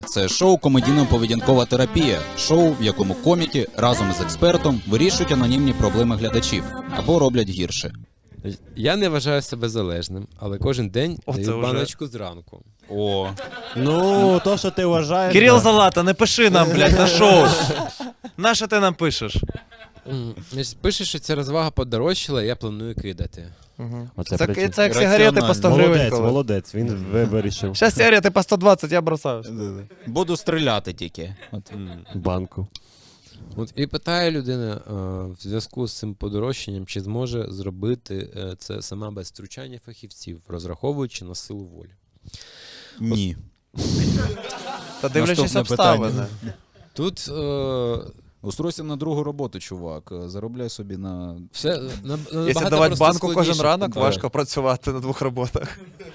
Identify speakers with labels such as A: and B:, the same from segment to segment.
A: Це шоу «Комедійно-поведінкова терапія», шоу, в якому коміки разом з експертом вирішують анонімні проблеми глядачів або роблять гірше.
B: Я не вважаю себе залежним, але кожен день даю
C: вже.
B: баночку зранку.
A: О,
D: Ну, то, що ти вважаєш...
C: Кирил
D: да.
C: Залата, не пиши нам, блядь, на шоу. Нащо ти нам пишеш?
B: Значить, пише, що ця розвага подорожчала, і я планую кидати.
D: Оце
C: Це
D: причина.
C: як сигарети по 100 гривень.
D: Молодець,
C: коли.
D: молодець, він вирішив
C: Щас сигарети по 120, я бросаю.
A: буду стріляти тільки. От.
D: банку.
B: От, і питає людина в зв'язку з цим подорожчанням, чи зможе зробити це сама без втручання фахівців, розраховуючи на силу волі.
A: Ні.
C: Та дивлячись
A: Наступне
C: обставини.
B: Тут
A: Устройся на другу роботу, чувак. Заробляй собі на...
B: все
C: Якщо давати банку кожен
B: складніше.
C: ранок,
B: Да.
C: важко працювати на двох роботах.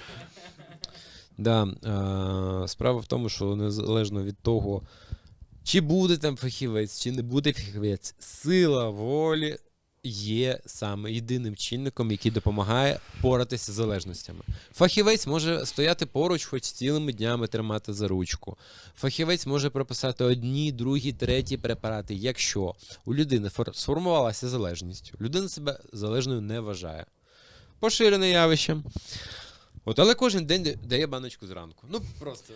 B: Да, справа в тому, що незалежно від того, чи буде там фахівець, чи не буде фахівець, сила волі є саме єдиним чинником, який допомагає поратися з залежностями. Фахівець може стояти поруч, хоч цілими днями тримати за ручку. Фахівець може прописати одні, другі, треті препарати, якщо у людини сформувалася залежність, людина себе залежною не вважає. Поширене явище. От, але кожен день дає баночку зранку. Ну просто.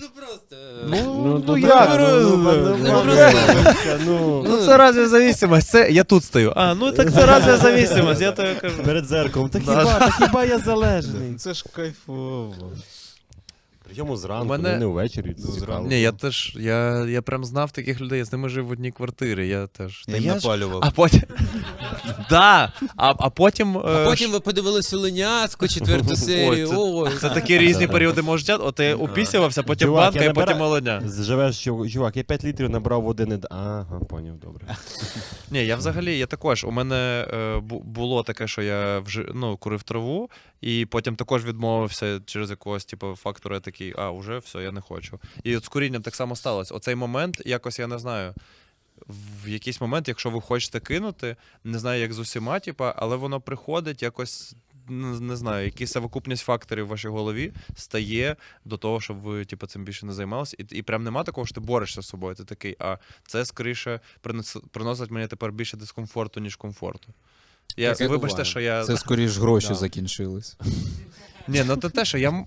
C: Ну це разве зависимость? Це я тут стою. А, ну так це разве зависимость, я тобі кажу.
D: Перед зеркалом. Та хіба я залежний?
A: Це ж кайфово.
D: Причому зранку,
C: У мене-
D: не ввечері. Цікаво.
C: Ні, я прям знав таких людей, я з ними жив в одній квартирі, я теж.
A: Я їм напалював.
C: А потім... Да, а потім...
B: А потім ви подивилися Леняцьку, четверту серію. Ой,
C: Це такі різні періоди мого життя. От ти упісявся, потім
D: Чувак,
C: банка
D: я
C: і потім
D: набираю-
C: молодня.
D: Живеш, чувак, я 5 літрів набрав води не... Ага, поняв, добре.
C: Ні, я взагалі, я також. У мене було таке, що я курив траву, і потім також відмовився через якогось типу, фактора, я такий, уже все, я не хочу. І от з курінням так само сталося. Оцей момент, якось я не знаю, в якийсь момент, якщо ви хочете кинути, не знаю, як з усіма, типу, але воно приходить якось, не знаю, якась совокупність факторів в вашій голові стає до того, щоб ви типу, цим більше не займалися. І прям нема такого, що ти борешся з собою. Ти такий, це скоріше приносить мені тепер більше дискомфорту, ніж комфорту.
B: Таке
C: Вибачте,
B: буває.
C: що я...
A: Це скоріш гроші
C: Да.
A: закінчились.
C: Ні, ну це те, що я...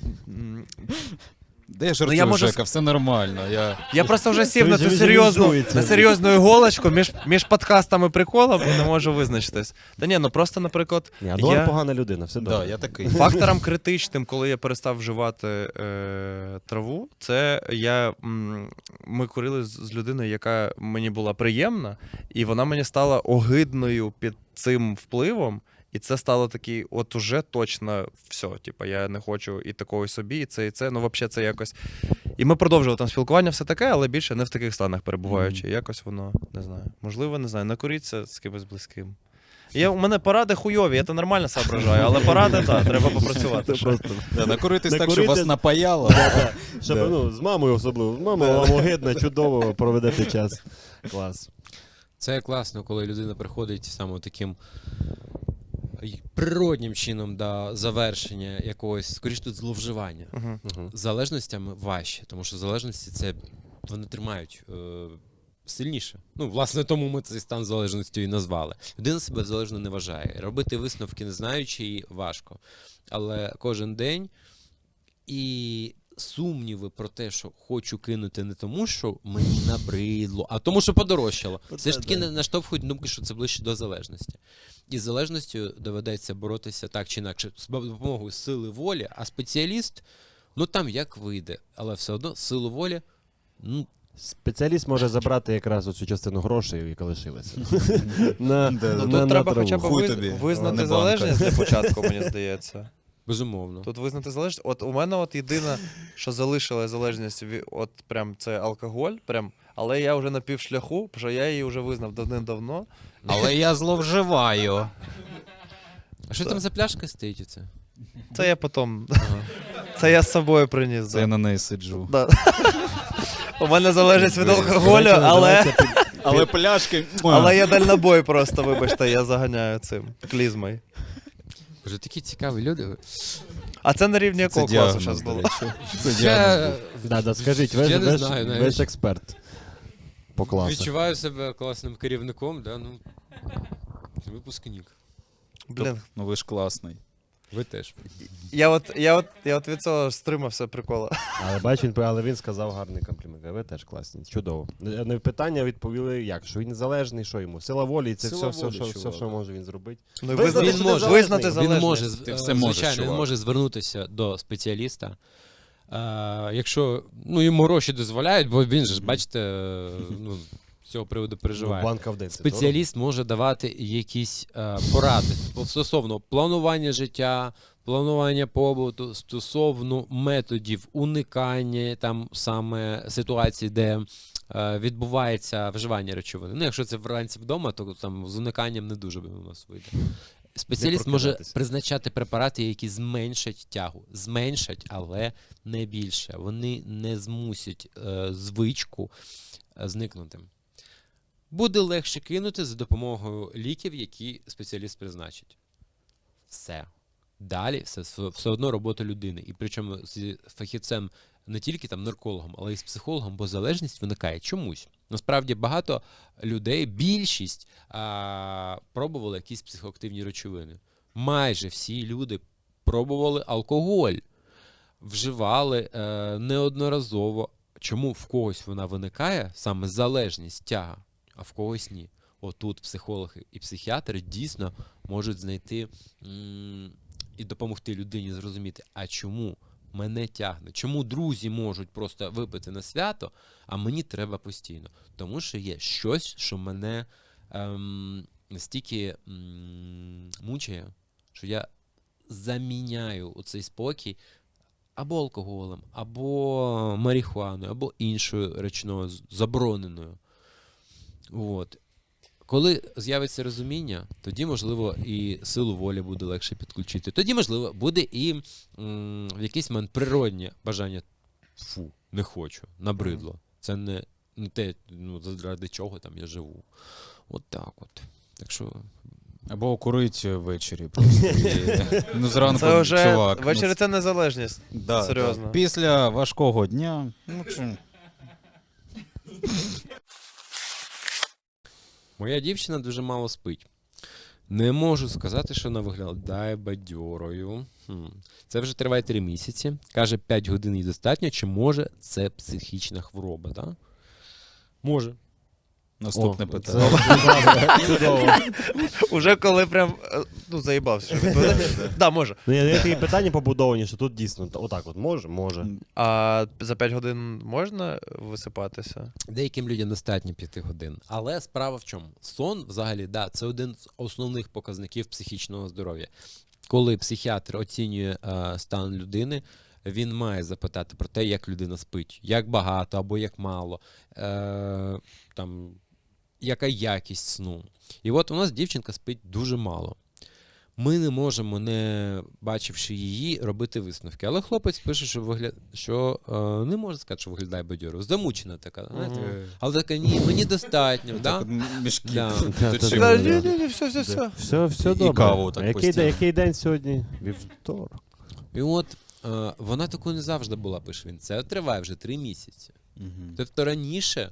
A: Де я жартую,
C: я можу
A: Жека, все нормально.
C: Я просто вже сів на
D: Він
C: цю
D: же візуалізується.
C: на серйозну іголочку між подкастами і приколом і не можу визначитись. Та ні, ну просто, наприклад,
D: Ні, Адуар погана людина, все
A: Да,
D: добре.
A: я такий.
C: фактором критичним, коли я перестав вживати траву, це ми курили з людиною, яка мені була приємна, і вона мені стала огидною під цим впливом. І це стало такий, от уже точно все. Типу, я не хочу і такого собі, і це, і це. Ну, взагалі, це якось. І ми продовжували там спілкування, все таке, але більше не в таких станах перебуваючи. Якось воно, не знаю. Можливо, не знаю, накуріться з кимось близьким. У мене поради хуйові, я то нормально соображаю, але поради, так, треба попрацювати. ще.
A: Да, накуритись так, щоб
D: Накурити-
A: вас напаяло.
D: Щоб,
A: Да.
D: ну, з мамою особливо. З мамою вам огидно, чудово проведете час. Клас.
B: це класно, коли людина приходить саме таким природнім чином до завершення якогось, скоріш тут зловживання.
C: Угу.
B: З залежностями важче, тому що залежності це вони тримають сильніше. Ну, власне, тому ми цей стан залежністю і назвали. Людина себе залежно не вважає. Робити висновки, не знаючи, її важко. Але кожен день і сумніви про те, що хочу кинути не тому, що мені набридло, а тому, що подорожчало. Все ж таки наштовхують думки, що це ближче до залежності. І з залежністю доведеться боротися так чи інакше з допомогою сили волі, а спеціаліст, ну там як вийде, але все одно силу волі, ну,
D: Спеціаліст може забрати якраз оцю частину грошей, яка лишилася.
C: Тут треба хоча б
A: Хуй тобі, не
C: визнати
A: банка.
C: залежність для початку, мені здається.
B: безумовно.
C: Тут визнати залежність. От у мене от єдине, що залишила залежність, от прям це алкоголь, прям, але я вже на півшляху, тому що я її вже визнав давним-давно.
A: Але я зловживаю.
B: А що там за пляшка стоїть оце?
C: Це я потім. Це я з собою приніс.
A: Це я на неї сиджу.
C: Да. У мене залежність від алкоголю,
A: Але пляшки...
C: але я дальнобой просто, вибачте, я заганяю цим клізмою.
B: Боже, такі цікаві люди.
C: А це на рівні якого класу зараз
A: до
C: було?
A: речі. Це діагноз був.
D: Да, скажіть, ви
B: Я не
D: ж
B: знаю
D: ви
B: навіть.
D: ж експерт по класу.
B: Відчуваю себе класним керівником, да, ну, випускник.
C: Блін,
A: Ну ви ж класний.
B: Ви теж.
C: я от від цього стримався прикола.
D: Але він сказав гарний комплімент. Ви теж класні. Чудово. На питання відповіли як? Що він незалежний, що йому? Сила волі, і це
A: Сила
D: все,
A: волі,
D: все,
A: чувак.
D: що може він зробити.
C: Ну, і
D: Визнати,
C: визнати,
D: що
B: він може.
D: незалежний.
C: визнати
B: Він
C: залежність.
B: може,
A: Ти все можеш,
B: звичайно, він
A: чувак.
B: може звернутися до спеціаліста. Якщо йому гроші дозволяють, бо він же ж, бачите, ну, з цього приводу переживає.
D: Банка в день. це
B: Спеціаліст може давати якісь поради стосовно планування життя, планування побуту, стосовно методів уникання там саме ситуації, де відбувається вживання речовини. Ну, якщо це вранці вдома, то там з униканням не дуже у нас вийде. Спеціаліст може
D: прокидатися.
B: призначати препарати, які зменшать тягу. Зменшать, але не більше. Вони не змусять звичку зникнути. Буде легше кинути за допомогою ліків, які спеціаліст призначить. Все. Далі все одно робота людини. І причому з фахівцем не тільки там наркологом, але й з психологом, бо залежність виникає чомусь. Насправді багато людей, більшість пробували якісь психоактивні речовини. Майже всі люди пробували алкоголь, вживали неодноразово. Чому в когось вона виникає, саме залежність, тяга, а в когось ні. Отут психолог і психіатр дійсно можуть знайти і допомогти людині зрозуміти, а чому мене тягне, чому друзі можуть просто випити на свято, а мені треба постійно. Тому що є щось, що мене настільки мучає, що я заміняю оцей спокій або алкоголем, або марихуаною, або іншою речною забороненою. От. Коли з'явиться розуміння, тоді, можливо, і силу волі буде легше підключити. Тоді, можливо, буде і в якийсь момент природнє бажання не хочу, набридло. Це не те, заради чого там я живу. От так от. Так що...
A: Або курить ввечері просто. Ну зранку,
C: Це вже
A: чувак.
C: ввечері це незалежність.
A: Да,
C: серйозно.
A: да. Після важкого дня, ну чи...
B: Моя дівчина дуже мало спить. Не можу сказати, що вона виглядає бадьорою. Це вже триває 3 місяці. Каже, 5 годин їй достатньо. Чи може це психічна хвороба? Да? Може.
A: Наступне питання.
D: Чудово.
C: Уже коли прям, заїбався, що відповідати. Да, може.
D: Ну, я такі питання побудовані, що тут дійсно отак от може.
C: А за 5 годин можна висипатися?
B: Деяким людям достатньо 5 годин. Але справа в чому? Сон, взагалі, да, це один з основних показників психічного здоров'я. Коли психіатр оцінює стан людини, він має запитати про те, як людина спить, як багато або як мало, там, яка якість сну. І от у нас дівчинка спить дуже мало. Ми не можемо, не бачивши її, робити висновки. Але хлопець пише, що не може сказати, що виглядає бадьоро. Замучена така, знаєте? Але така, ні, мені достатньо. Да?
A: Мішки.
B: Да.
A: точили,
C: Да,
A: да.
C: ні, все.
D: Все
A: І
D: добре.
A: каву так
D: А
A: постійно.
D: який день сьогодні? Вівторок.
B: І от вона такою не завжди була, пише він. Це триває вже 3 місяці.
A: Мгм.
B: Тобто раніше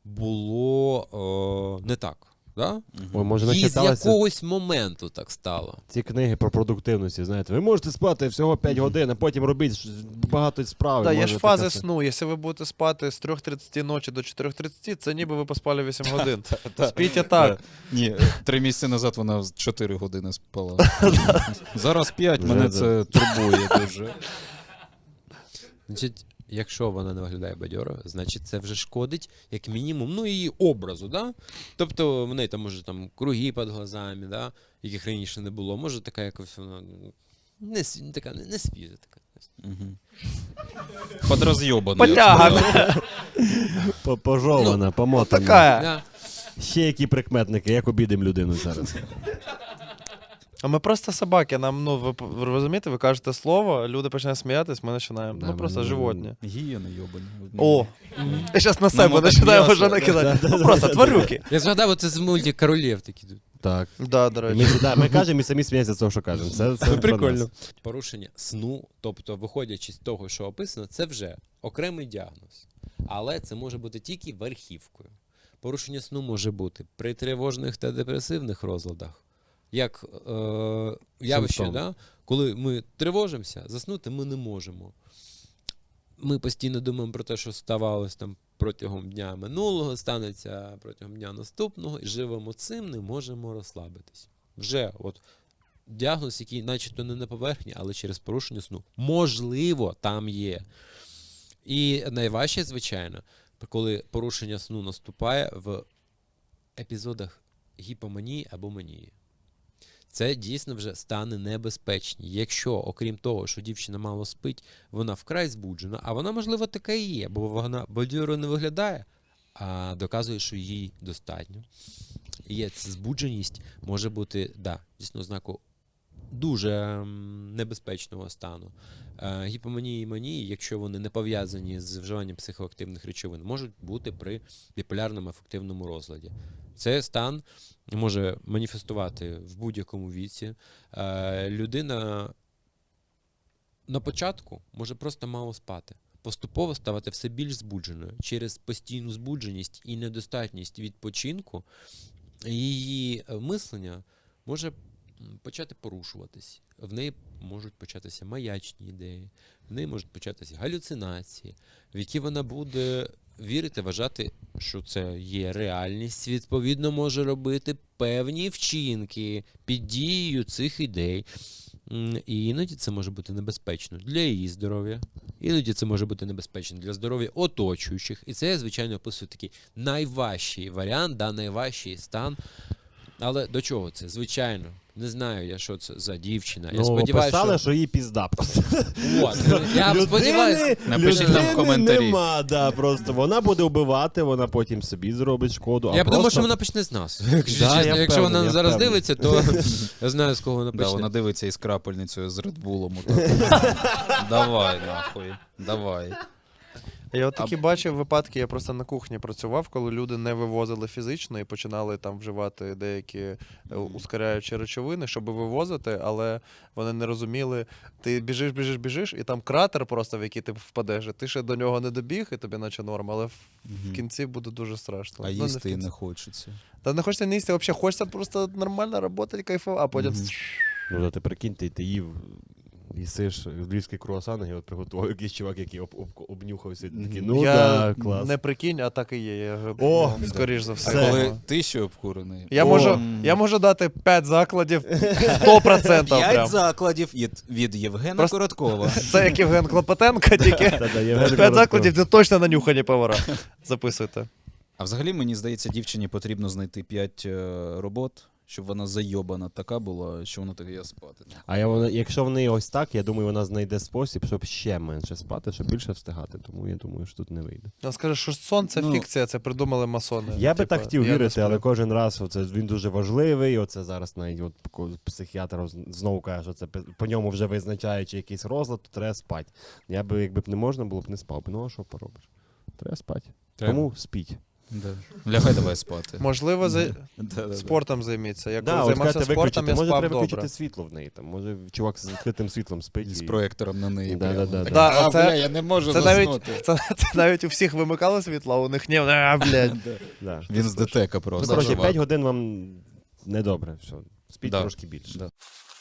B: було не так. Да?
D: Ой, може,
B: Їй з
D: начиталися
B: якогось моменту так стало.
D: ці книги про продуктивність, знаєте. Ви можете спати всього 5 годин, а потім робіть багато справ.
C: Так, є
D: Може
C: ж фази
D: таке
C: сну. Якщо ви будете спати з 3:30 ночі до 4:30, це ніби ви поспали 8 годин. Спіть так.
A: Ні, 3 місяці назад вона 4 години спала. Зараз 5,
D: Вже,
A: мене
D: да.
A: це турбує дуже.
B: Значить, якщо вона не виглядає бадьоро, значить це вже шкодить, як мінімум, її образу. Да? Тобто в неї там може там круги під глазами, да? Яких раніше не було. Може така якось вона не свіжа така.
A: Подроз'єбана.
C: Потяга.
D: Пожована, помотана.
C: Така.
B: Да.
D: Ще які прикметники, як обідемо людину зараз.
C: А ми просто собаки. Нам, ви розумієте, ви кажете слово, люди починають сміятись, ми починаємо.
D: Да,
C: Просто
D: ми-
C: животні.
A: Гієни йобані.
C: О, я зараз на себе
A: Нам
C: починаю
A: отак
C: вже
A: м'ясо.
C: накидати. Просто тварюки.
B: Я згадав, оце з мультик Королів такі.
D: Так.
C: Да, до речі.
D: Ми кажемо і самі сміємося з того, що кажемо. Це про
C: Прикольно.
D: нас.
B: Порушення сну, тобто виходячи з того, що описано, це вже окремий діагноз. Але це може бути тільки верхівкою. Порушення сну може бути при тривожних та депресивних розладах. Як явище,
D: Симптом.
B: да? Коли ми тривожимося, заснути ми не можемо. Ми постійно думаємо про те, що ставалось там протягом дня минулого, станеться протягом дня наступного, і живемо цим, не можемо розслабитись. Вже от діагноз, який начебто не на поверхні, але через порушення сну. Можливо, там є. І найважче, звичайно, коли порушення сну наступає в епізодах гіпоманії або манії. Це дійсно вже стане небезпечні. Якщо, окрім того, що дівчина мало спить, вона вкрай збуджена, а вона, можливо, така і є, бо вона бадьоро не виглядає, а доказує, що їй достатньо. І є ця збудженість може бути, дійсно, ознаку дуже небезпечного стану. Гіпоманії і манії, якщо вони не пов'язані з вживанням психоактивних речовин, можуть бути при біполярному афективному розладі. Цей стан може маніфестувати в будь-якому віці. Людина на початку може просто мало спати, поступово ставати все більш збудженою. Через постійну збудженість і недостатність відпочинку її мислення може почати порушуватись. В неї можуть початися маячні ідеї, в неї можуть початися галюцинації, в які вона буде вірити, вважати, що це є реальність, відповідно може робити певні вчинки під дією цих ідей. І іноді це може бути небезпечно для її здоров'я, іноді це може бути небезпечно для здоров'я оточуючих. І це я, звичайно, описую такий найважчий варіант, найважчий стан. Але до чого це? Звичайно, не знаю я, що це за дівчина. Я сподіваюся,
D: писали, що її пізда.
B: От, я сподіваюся.
A: Напишіть нам в коментарі.
D: Нема, просто вона буде вбивати, вона потім собі зробить шкоду.
B: Я думаю, що вона почне з нас. Якщо чесно.
D: я
B: Якщо вона
D: впевнений,
B: зараз
D: я впевнений.
B: дивиться, то я знаю, з кого вона
A: Да,
B: почне.
A: вона дивиться із крапельницею з Редбулом. Давай, нахуй, давай.
C: Я от такі бачив випадки, я просто на кухні працював, коли люди не вивозили фізично і починали там вживати деякі ускоряючі речовини, щоб вивозити, але вони не розуміли. Ти біжиш, і там кратер просто, в який ти впадеш, і ти ще до нього не добіг, і тобі наче норм, але в кінці буде дуже страшно.
A: А
C: Ну, не в
A: їсти і
C: кінці.
A: не хочеться.
C: Та не хочеться не їсти, взагалі хочеться просто нормально працювати, кайфувати, а потім...
D: Ну, ти прикинь, ти їв, їсиш львівський круасан, і от приготував якийсь чувак, який обнюхався, і такий, ну
C: я
D: клас.
C: не прикинь, а так і є. Я,
D: О,
C: скоріш за
A: А
C: все.
A: коли ти ще обкурений?
C: Я можу дати 5 закладів 100%
A: 5
C: прям.
A: закладів від Євгена
C: Просто-
A: Короткова.
C: Це як Євген Клопотенко, тільки
D: Та-да, Євген
C: 5
D: Коротков.
C: закладів, де точно нанюхані повара. Записуйте.
A: А взагалі, мені здається, дівчині потрібно знайти 5 робот, щоб вона зайобана така була, що вона так і спати.
D: Якщо в неї ось так, я думаю, вона знайде спосіб, щоб ще менше спати, щоб більше встигати. Тому я думаю, що тут не вийде.
C: Він скаже, що сон це
A: Ну,
C: фікція, це придумали масони.
D: Я би
C: Типа,
D: так хотів
C: я не
D: вірити,
C: сплю.
D: але кожен раз він дуже важливий. Оце зараз навіть психіатр знову каже, що це по ньому вже визначаючи якийсь розлад, то треба спати. Якби б не можна було б не спав. Ну а що поробиш? Треба спати. Тому спіть.
A: Лягай давай спати.
C: Можливо,
A: Да-да-да.
C: спортом займіться. Я коли
D: Да, от
C: займався
D: кажете,
C: спортом, я
D: може
C: спав
D: треба
C: добре.
D: виключити світло в неї. Там. Може чувак з відкритим світлом спить.
A: З
D: і-
A: проектором на неї.
D: Да-да-да.
A: прямо.
C: Да,
A: А,
C: оце-
A: бля, я не можу
C: Це навіть,
A: заснути.
C: це навіть у всіх вимикало світло, а у них ні, блядь.
D: Да.
A: Він з ДТЕКа
D: Ну,
A: просто.
D: коротше,
A: чувак.
D: 5 годин вам недобре. Все. Спіть
A: Да.
D: трошки більше.
A: Да.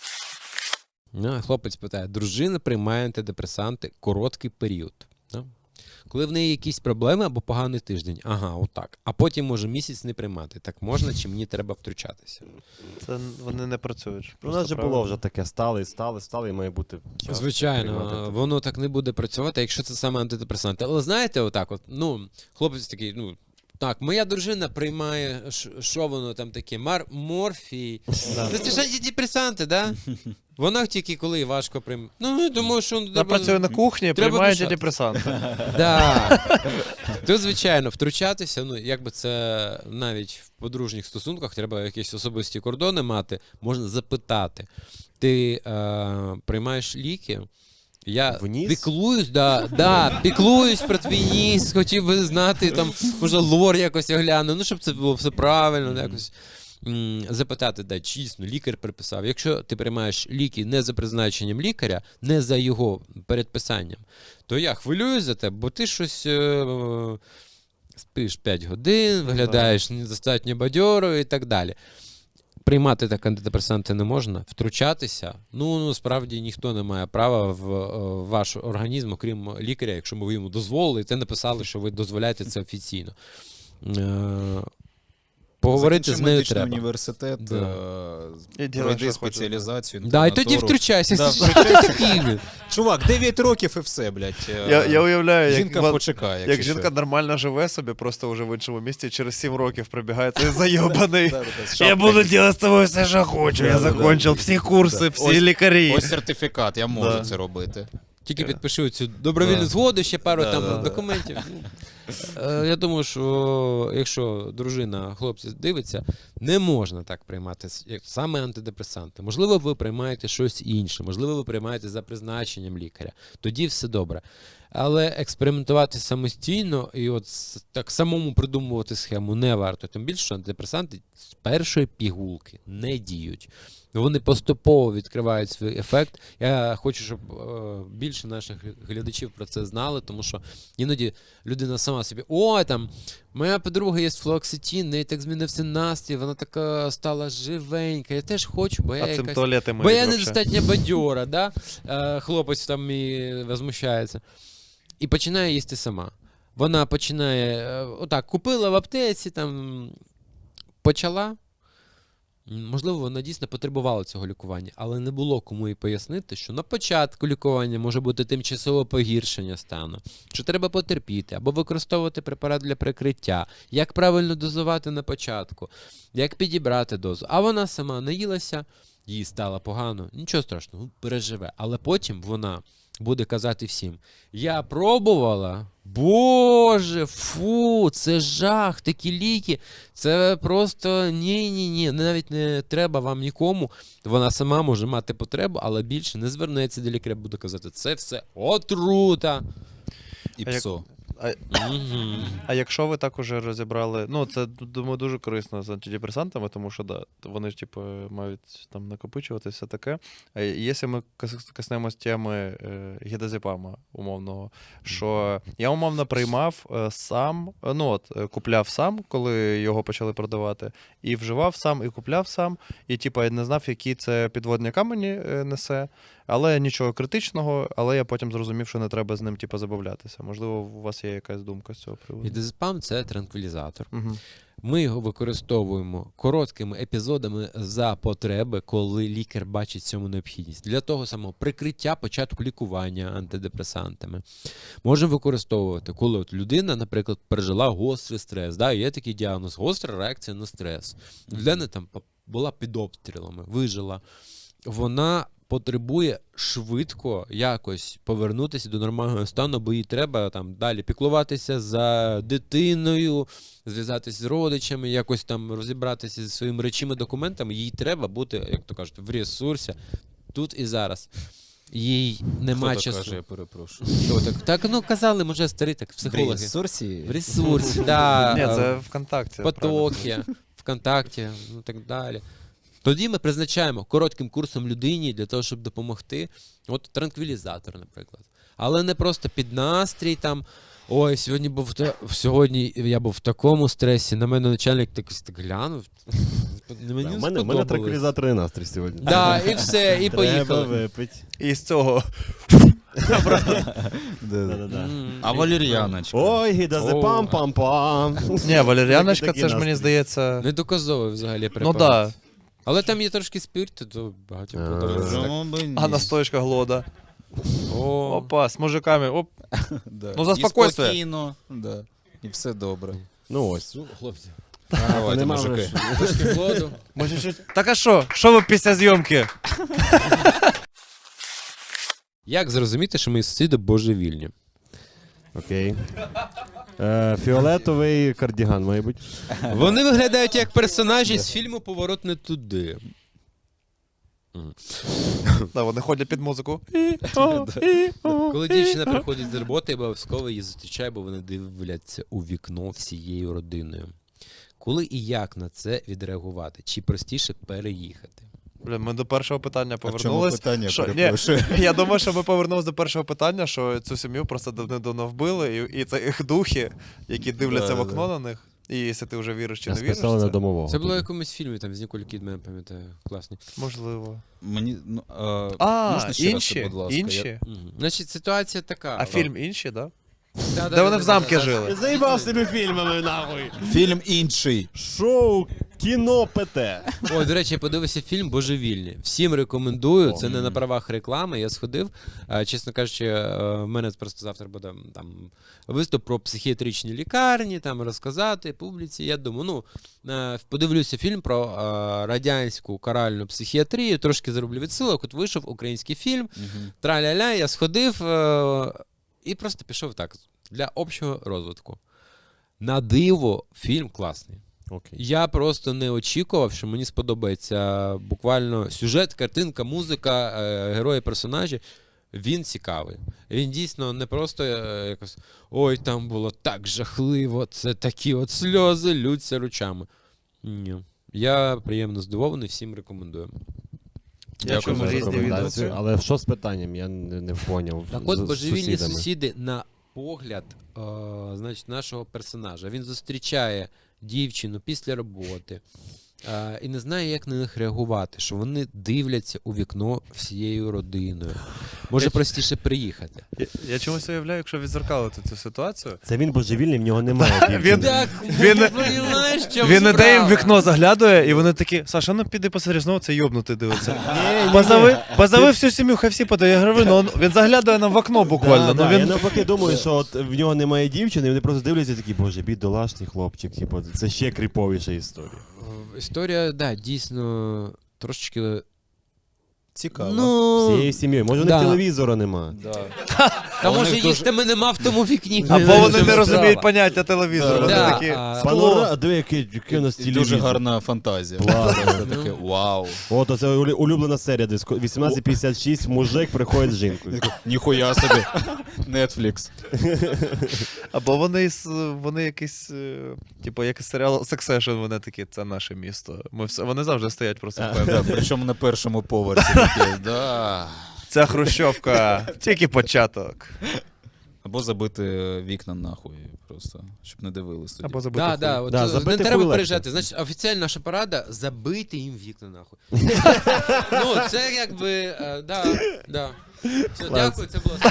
B: Хлопець питає, дружина приймає антидепресанти короткий період. Да? Коли в неї якісь проблеми або поганий тиждень, отак. А потім може місяць не приймати. Так можна, чи мені треба втручатися?
C: Це вони не працюють.
D: У нас же було вже таке стали, і має бути час приймати
B: Звичайно,
D: таке.
B: воно так не буде працювати, якщо це саме антидепресанти. Але знаєте, отак от, хлопець такий, так, моя дружина приймає, що воно там таке, морфій. Це ж антидепресанти, да? Вона тільки коли важко приймає. Я думаю, що...
C: Вона працює на кухні,
B: треба
C: приймає
B: дишати.
C: антидепресанти.
B: Да. Тут, звичайно, втручатися, якби це навіть в подружніх стосунках, треба якісь особисті кордони мати, можна запитати. Ти приймаєш ліки? Я
D: Вніс?
B: піклуюсь, піклуюсь про твій ніс, хотів би знати, там, може, лор якось огляну, щоб це було все правильно, якось. запитати, дійсно, лікар приписав. Якщо ти приймаєш ліки не за призначенням лікаря, не за його передписанням, то я хвилююсь за тебе, бо ти щось спиш 5 годин, виглядаєш недостатньо бадьоро і так далі. Приймати так антидепресанти не можна, втручатися. Справді ніхто не має права в ваш організм, окрім лікаря, якщо ви йому дозволили, і те написали, що ви дозволяєте це офіційно. Поговорити
A: Закінчи
B: з нею
A: медичний
B: треба.
A: університет,
C: І ділай,
A: пройди
C: що хочеш.
A: спеціалізацію.
B: Да, і тоді
A: інтернатуру.
B: втручайся.
A: Да,
B: Що ти такий?
A: Чувак, 9 років і все, блядь.
C: Я уявляю,
A: Жінка почекає,
C: як
A: якщо
C: жінка
A: що.
C: нормально живе собі, просто вже в іншому місті, через 7 років прибігає цей зайобаний.
A: Да, з
C: Я
A: шапкою.
C: буду робити з тобою все, що хочу. Я закончив всі курси, всі лікарі.
A: Ось сертифікат, я можу
C: Да.
A: це робити.
B: Тільки підпишу цю добровільну
A: Да.
B: згоду, ще пару
A: Да,
B: там
A: да, да.
B: документів. Я думаю, що якщо дружина, хлопці дивиться, не можна так приймати саме антидепресанти. Можливо, ви приймаєте щось інше, можливо, ви приймаєте за призначенням лікаря. Тоді все добре. Але експериментувати самостійно і так самому придумувати схему не варто. Тим більше, що антидепресанти з першої пігулки не діють. Вони поступово відкривають свій ефект. Я хочу, щоб більше наших глядачів про це знали, тому що іноді людина сама собі: моя подруга є флуоксетин, в неї так змінився настрій, вона така стала живенька, я теж хочу, бо я
C: А цим
B: якась...
C: туалети
B: Бо я
C: вообще.
B: недостатньо бадьора, да? Хлопець там і возмущається. І починає їсти сама. Вона починає, купила в аптеці, там, почала. Можливо, вона дійсно потребувала цього лікування, але не було кому їй пояснити, що на початку лікування може бути тимчасове погіршення стану, що треба потерпіти або використовувати препарат для прикриття, як правильно дозувати на початку, як підібрати дозу. А вона сама наїлася, їй стало погано, нічого страшного, переживе. Але потім вона буде казати всім: я пробувала, боже, фу, це жах, такі ліки, це просто ні, навіть не треба вам нікому. Вона сама може мати потребу, але більше не звернеться до лікаря, буде казати: це все отрута.
A: І
C: А як-
A: псо.
C: А якщо ви так уже розібрали, це, думаю, дуже корисно з антидепресантами, тому що вони ж мають там накопичуватися, все таке. А якщо ми коснемось теми гідазепама умовного, що я умовно приймав сам, купляв сам, коли його почали продавати, і вживав сам, і купляв сам, і я не знав, які це підводні камені несе, але нічого критичного, але я потім зрозумів, що не треба з ним забавлятися. Можливо, у вас є якась думка з цього приводу?
B: Ідезепам – це транквілізатор.
C: Угу.
B: Ми його використовуємо короткими епізодами за потреби, коли лікар бачить в цьому необхідність. Для того самого прикриття початку лікування антидепресантами. Можемо використовувати, коли людина, наприклад, пережила гострий стрес. Да? Є такий діагноз – гостра реакція на стрес. Людина там була під обстрілами, вижила. Вона потребує швидко якось повернутися до нормального стану, бо їй треба там далі піклуватися за дитиною, зв'язатися з родичами, якось там розібратися зі своїми речами, документами. Їй треба бути, як то кажуть, в ресурсі тут і зараз. Їй нема
A: Хто
B: часу.
A: так каже, я перепрошую.
B: Що так, казали, може, старі так, психологи.
A: Ресурсі?
B: В ресурсі, да.
C: Ні, це ВКонтакті.
B: Потоки, ВКонтакті, так далі. Тоді ми призначаємо коротким курсом людині для того, щоб допомогти. От транквілізатор, наприклад. Але не просто під настрій там: ой, сьогодні я був в такому стресі, на мене начальник так глянув. Мені
D: У
B: не
D: мене
B: сподобалось.
D: транквілізаторний настрій сьогодні.
B: Да, і все, і
D: Треба
B: поїхали.
D: випити.
C: І з цього.
D: Да-да-да.
A: А валер'яночка?
D: Ой, гідазепам, пам-пам.
C: Ні, валеріаночка,
D: Такий
C: це ж мені
D: настрій.
C: здається.
B: Недоказовий взагалі
C: Ну
B: препарат.
C: так.
B: Але там є трошки спирту, то багатьом подобається. так.
A: Чому би ні?
C: А настоечка глода.
B: О,
C: Опа, з мужиками. Оп.
A: Да.
C: Ну, заспокойся.
A: І спокійно, да. І все добре.
D: Ну ось.
B: хлопці,
A: Давайте,
D: Нема
A: мужики.
D: вже.
B: трошки воду.
C: Так а що? Що ви після зйомки?
B: Як зрозуміти, що мої сусіди божевільні?
D: Окей. Фіолетовий кардіган, має бути.
B: Вони виглядають як персонажі з фільму «Поворот не туди».
C: Да, вони ходять під музику.
B: Коли дівчина приходить з роботи, обов'язково її зустрічає, бо вони дивляться у вікно всією родиною. Коли і як на це відреагувати? Чи простіше переїхати?
C: Блін, ми до першого питання
A: А в чому
C: повернулись.
A: питання,
C: Що- ні,
A: перепрошую?
C: я думаю, що ми повернулися до першого питання, що цю сім'ю просто давно вбили, і це їх духи, які дивляться в
A: Да,
C: окно на них. І якщо ти вже віриш чи не віриш,
D: Списали на
C: це
D: домового.
B: Це було в якомусь фільмі там з Ніколь Кідман, я пам'ятаю, класний.
C: можливо.
A: Мені, можна ще раз,
C: інші?
A: будь ласка?
C: Інші?
B: Значить, ситуація така.
C: А фільм інші, так?
B: Да,
C: Де вони в замки жили?
D: Заїбав себе фільмами, нахуй.
A: Фільм інший.
D: Шоу кіно ПТ.
B: Ой, до речі, я подивився фільм «Божевільні». Всім рекомендую. Це не на правах реклами. Я сходив. Чесно кажучи, в мене просто завтра буде там виступ про психіатричні лікарні, там розказати публіці. Я думаю, подивлюся фільм про радянську каральну психіатрію, трошки зроблю відсилок. От вийшов український фільм. Траля-ля, я сходив і просто пішов так для общого розвитку. На диво, фільм класний.
D: Окей.
B: Я просто не очікував, що мені сподобається буквально сюжет, картинка, музика, герої, персонажі. Він цікавий. Він дійсно не просто якось ой, там було так жахливо, це такі от сльози, лються ручами. Ні. Я приємно здивований, всім рекомендую.
C: Я чув
D: за
C: різні
D: рекомендацію.
C: відгуки.
D: Але що з питанням? Я не поняв.
B: Так от
D: З
B: божевільні
D: сусідами.
B: сусіди на погляд значить, нашого персонажа. Він зустрічає дівчину після роботи і не знає, як на них реагувати, що вони дивляться у вікно всією родиною. Може простіше приїхати.
C: Я чомусь уявляю, якщо відзеркалити цю ситуацію.
D: Це він божевільний, в нього немає дівчини.
C: Він-
B: Так,
C: Він-
B: розумієш, що
C: Він іде їм в
B: справа?
C: вікно заглядує, і вони такі: Саша, ну піди посмотри, знову це йобнутий дивиться.
D: Ні.
C: Позови всю сім'ю, хай всі подають. Я говорю, ну він заглядає нам в окно буквально.
D: Да,
C: Ну
D: да. Я
C: він
D: навпаки думаю, що от в нього немає дівчини, і вони просто дивляться такі, боже, бідолашний хлопчик, типу, це ще кріповіша історія.
B: Історія, да, дійсно трошечки.
A: Цікаво.
B: Ну,
D: Всією сім'єю. Може, у них
B: да.
D: телевізора нема.
B: та
A: у
B: може
A: них
B: їх тебе нема в тому вікні.
C: або вони
B: Чому
C: не розуміють
B: справа?
C: поняття телевізора. Вони
B: Да,
C: такі.
D: Панора, диви, який у нас
A: І
D: телевізор.
A: дуже гарна фантазія.
D: Клас.
A: Це таке вау.
D: От, це улюблена серія, десь 18:56, мужик приходить з жінкою.
A: Ніхуя собі. Netflix.
C: Або вони якийсь, типу, якийсь серіал Succession, вони такі, це наше місто. Вони завжди стоять просто
A: Да,
C: впевнені.
A: причому на першому поверсі таке. Да.
C: Ця хрущовка, тільки початок.
A: Або забити вікна нахуй, просто, щоб не дивились тоді.
C: Або забити
B: Да, да,
C: хуй.
B: от,
D: Да,
B: не
D: забити
B: треба
D: хуй легше.
B: переїжджати. Значить, офіційна наша порада забити їм вікна нахуй. Ну, це якби, да. Все, дякую, це було.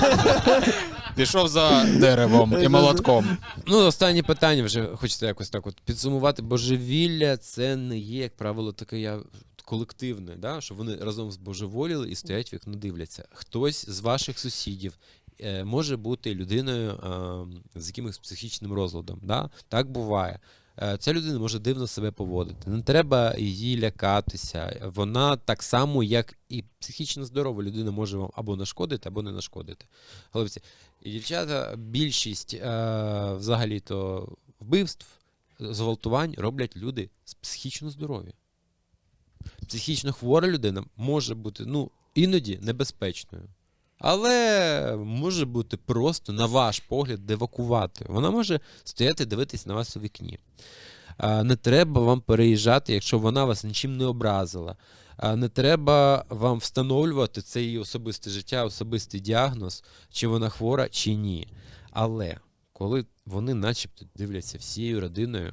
A: Пішов за деревом і молотком.
B: Ну, останнє питання вже хочеться якось так от підсумувати. Божевілля це не є, як правило, таке колективне, да? Що вони разом збожеволіли і стоять в вікно дивляться. Хтось з ваших сусідів може бути людиною з якимось психічним розладом. Да? Так буває. Ця людина може дивно себе поводити. Не треба її лякатися. Вона так само, як і психічно здорова людина, може вам або нашкодити, або не нашкодити. Хлопці і дівчата, більшість взагалі-то вбивств, зґвалтувань роблять люди психічно здорові. Психічно хвора людина може бути, іноді небезпечною. Але може бути просто, на ваш погляд, девакуватою. Вона може стояти дивитись на вас у вікні. Не треба вам переїжджати, якщо вона вас нічим не образила. Не треба вам встановлювати це її особисте життя, особистий діагноз, чи вона хвора, чи ні. Але коли вони начебто дивляться всією родиною,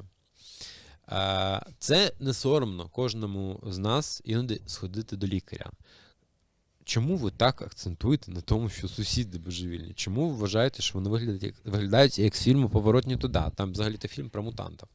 B: це не соромно кожному з нас іноді сходити до лікаря. Чому ви так акцентуєте на тому, що сусіди божевільні? Чому ви вважаєте, що вони виглядають як з фільму «Поворот не туди»? Там взагалі-то фільм про мутантів.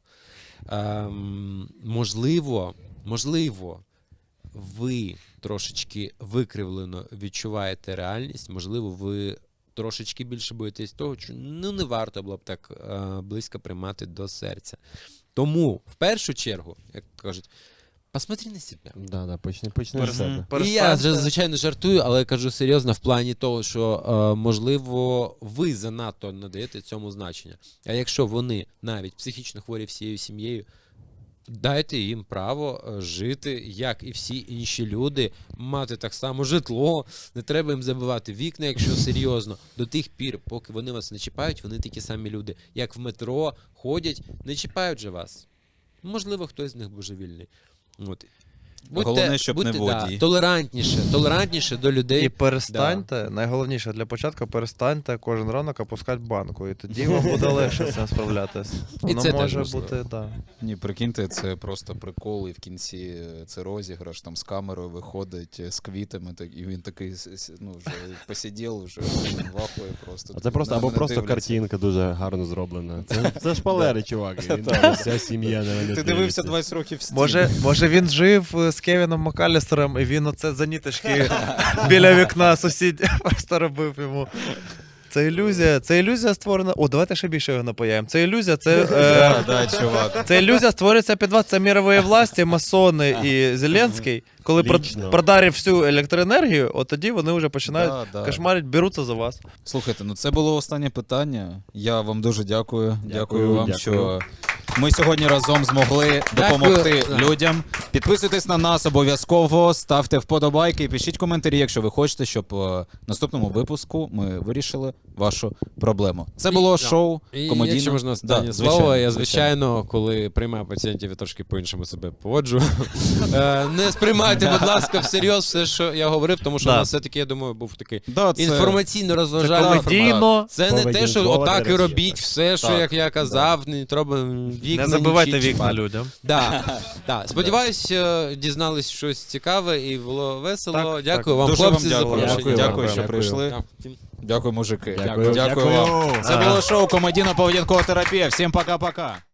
B: Можливо, ви трошечки викривлено відчуваєте реальність, можливо, ви трошечки більше боїтесь того, що не варто було б так близько приймати до серця. Тому, в першу чергу, як кажуть, посмотри на себе.
D: Да, почни з себе.
B: І я, звичайно, жартую, але кажу серйозно в плані того, що, можливо, ви занадто надаєте цьому значення. А якщо вони навіть психічно хворі всією сім'єю, дайте їм право жити, як і всі інші люди, мати так само житло, не треба їм забивати вікна, якщо серйозно. До тих пір, поки вони вас не чіпають, вони такі самі люди, як в метро ходять, не чіпають же вас. Можливо, хтось з них божевільний. От.
A: Головне, щоб не водій.
B: Толерантніше до людей.
C: І перестаньте, найголовніше для початку, перестаньте кожен ранок опускати банку, і тоді вам буде легше з цим справлятися. Воно
B: це теж
C: може
B: важливо.
C: бути, да.
A: Ні, прикиньте, це просто прикол, і в кінці це розіграш, там з камерою виходить, з квітами, і він такий, ну, вже посидів, вже вахує просто.
D: А це просто,
A: На
D: або
A: мене
D: просто
A: дивляться.
D: картинка дуже гарно зроблена. Це шпалери, чувак. і він Вся сім'я на мене
A: Ти
D: дивиться.
A: дивився 20 років в стіну.
C: Може він жив з Кевіном Макалістером, і він оце заніточки біля вікна сусід просто робив йому. Це ілюзія створена. О, давайте ще більше його напаяємо. Це ілюзія,
A: Да, чувак.
C: це ілюзія створюється під вас. Це мірової власті, масони і Зеленський. Коли
D: Лічно.
C: продарив всю електроенергію, от тоді вони вже починають
A: Да.
C: кошмарити, беруться за вас.
A: Слухайте, ну це було останнє питання. Я вам дуже дякую. Дякую вам,
D: дякую.
A: що ми сьогодні разом змогли допомогти
B: Дякую.
A: людям. Підписуйтесь на нас обов'язково, ставте вподобайки і пишіть коментарі, якщо ви хочете, щоб в наступному випуску ми вирішили вашу проблему. Це було шоу
B: І
A: комедійне.
B: якщо можна останнє
A: Да,
B: слово, я,
A: звичайно.
B: звичайно, коли приймаю пацієнтів, я трошки по-іншому себе поводжу. Не сприймайте, будь ласка, всерйоз все, що я говорив, тому що у
C: Да.
B: нас все-таки, я думаю, був такий
A: Да, це...
B: інформаційно-розважальний формат.
C: Комедійно.
B: Це не те, що
D: Поведінкова
B: отак і
D: терапія,
B: робіть
D: так.
B: все, що,
A: Так,
B: як я казав, не треба вікна.
C: Не забивайте
B: нічі
C: вікна
B: чіпати.
C: людям.
B: Да. Сподіваюсь, дізнались щось цікаве і було весело.
C: Так,
B: дякую
C: так.
B: вам,
A: Дуже
B: хлопці,
A: вам
B: за
A: дякую.
B: запрошення.
A: Дякую, що
D: Дякую.
A: прийшли. Дякую, мужики.
D: Дякую.
A: Дякую вам. Це
C: Ага.
A: було шоу комедійно-поведінкова терапія. Всім пока-пока.